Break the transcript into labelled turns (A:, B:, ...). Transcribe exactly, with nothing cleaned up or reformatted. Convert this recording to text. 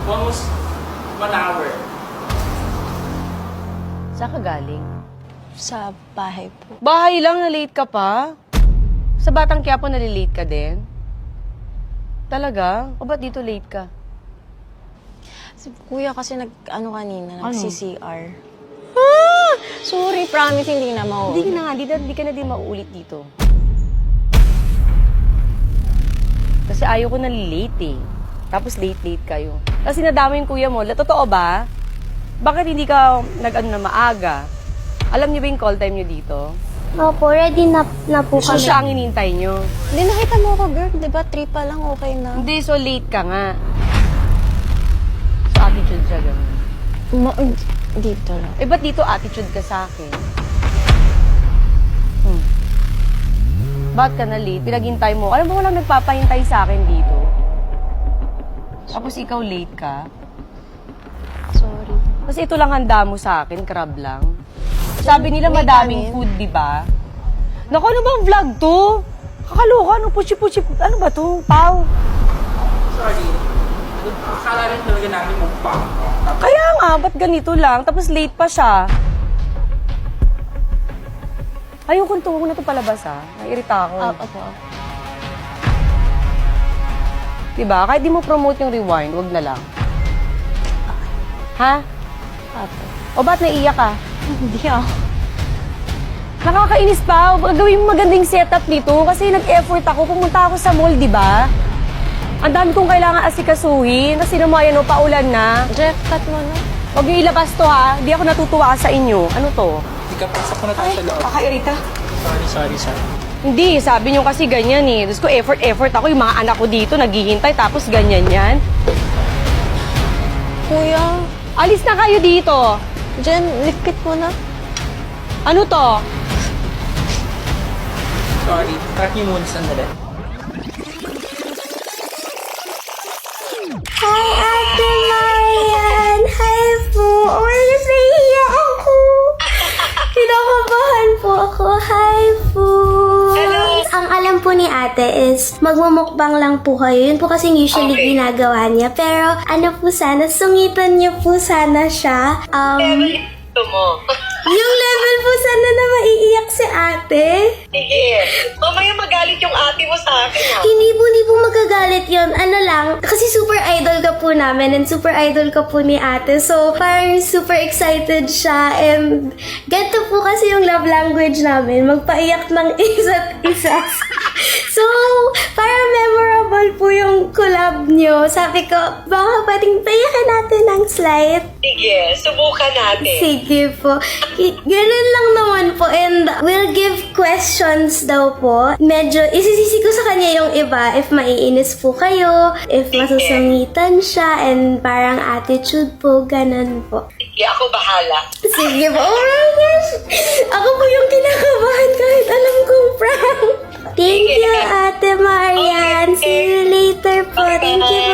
A: Almost one hour.
B: Saan ka galing?
C: Sa bahay po.
B: Bahay lang, na-late ka pa? Sa Batang Quiapo, nalilate ka din? Talaga? O ba't dito late ka?
C: Si kuya kasi nag, ano kanina,
B: Ano?
C: nag-C C R. Ah! Sorry, promise, hindi na
B: Hindi
C: mauulit.
B: ka na nga, hindi, na- hindi ka na din mauulit dito. Kasi ayaw ko nalilate eh. Tapos late-late kayo. Kasi nadama yung kuya mo. La- Totoo ba? Bakit hindi ka nag-ano na maaga? Alam niyo ba yung call time niyo dito?
D: Opo, ready na, na po
B: So
D: kami.
B: siya ang inintay niyo.
C: Hindi, nakita mo ako, girl. Di ba, three pa lang, okay na.
B: Hindi, so late ka nga. So attitude siya ganun.
C: Ma- dito lang.
B: Eh, ba't dito attitude ka sa akin? Hmm. Ba't ka na late? Pinaghintay mo. Alam mo, walang nagpapahintay sa akin dito. Tapos ikaw late ka.
C: Sorry.
B: Kasi ito lang handa mo sa akin, crab lang. Sabi nila
C: May
B: madaming
C: kanin.
B: food, di ba? Naku, ano bang vlog to? Kakaloka, ano, puchi-puchi, ano ba to? Pau.
A: Sorry. Akala rin talaga namin mukbang.
B: Kaya nga, ba't ganito lang? Tapos late pa siya. Ayokong tungo na ito palabas, ha? Nairita ako.
C: Ah, opo.
B: Diba? Kahit di mo promote yung rewind, wag na lang. Ha?
C: Apo.
B: O ba't naiiyak ka?
C: Hindi ako.
B: Nakakainis pa. Gawin mo magandang setup nito kasi nag-effort ako. Pumunta ako sa mall, di ba? Ang dami kong kailangan asikasuhin. Kasi naman, yan o, paulan na.
C: Jeff, cut mo na.
B: Huwag niyo ilabas to, ha? Di ako natutuwa sa inyo. Ano to?
A: Hindi ka pasok na tayo sa loob.
B: Kakairita.
A: Sorry, sorry, sorry.
B: Hindi, sabi niyo kasi ganyan eh. Tapos ko effort, effort ako. Yung mga anak ko dito, naghihintay. Tapos ganyan yan.
C: Kuya,
B: Alis na kayo dito.
C: Jen, likpit mo na.
B: Ano to?
A: Sorry. Track niyo muna sandali.
D: Hi, Ate Marian! Hi po! Oh my gosh, nahihiya ako! Kinakabahan po ako. Hi po! Ang alam po ni ate is magmumukbang lang po kayo. Yun po kasing usually ginagawa niya. Pero ano po sana, sungitan niyo po sana siya. Um,
B: Ito mo.
D: yung level po sana na maiiyak si ate.
B: Sige. Mamaya magalit yung ate mo sa akin, ha?
D: Hindi po, hindi po magagalit yon. Ano lang, kasi super idol ka po namin and super idol ka po ni ate. So, parang super excited siya and ganito po kasi yung love language namin, magpaiyak ng isa't isa. So, parang memorable po yung collab nyo. Sabi ko, baka pwedeng paiyakin natin ng slight.
B: Sige, subukan natin.
D: Sige po. I- Ganun lang naman po. And we'll give questions daw po. Medyo isisisi ko sa kanya yung iba if maiinis po kayo, if masusungitan siya, and parang attitude po, ganun po.
B: Sige, ako bahala.
D: Sige po. Oh my gosh! Ako po yung kinakabahan kahit alam kong prank. Thank you, Ate Marian. See you later po. Thank you